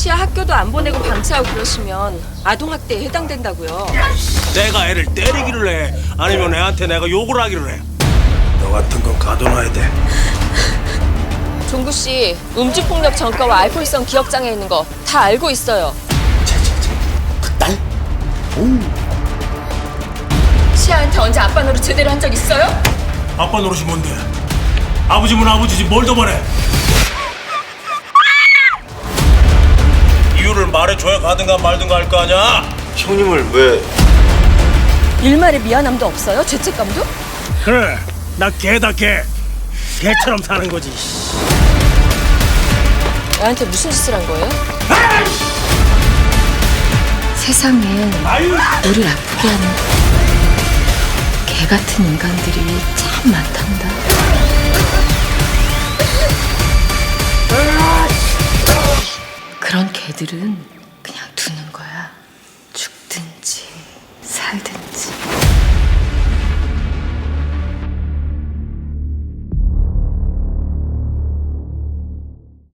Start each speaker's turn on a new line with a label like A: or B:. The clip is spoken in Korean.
A: 씨야 학교도 안 보내고 방치하고 그러시면 아동학대에 해당된다고요.
B: 내가 애를 때리기를 해? 아니면 애한테 내가 욕을 하기를 해? 너 같은 건 가둬놔야 돼.
A: 종구 씨 음주폭력 전과와 알코올성 기억장애 있는 거 다 알고 있어요.
C: 그 딸?
A: 시아한테 언제 아빠 노릇 제대로 한 적 있어요?
B: 아빠 노릇이 뭔데? 아버지면 아버지지 뭘 더 바래? 이유를 말해줘야 가든가 말든가 할 거 아니야?
C: 형님을 왜?
A: 일말의 미안함도 없어요? 죄책감도?
B: 그래, 나 개다 개. 개처럼 사는 거지.
A: 애한테 무슨 짓을 한 거예요? 세상엔 우리를 아프게 하는 개 같은 인간들이 참 많단다. 그런 개들은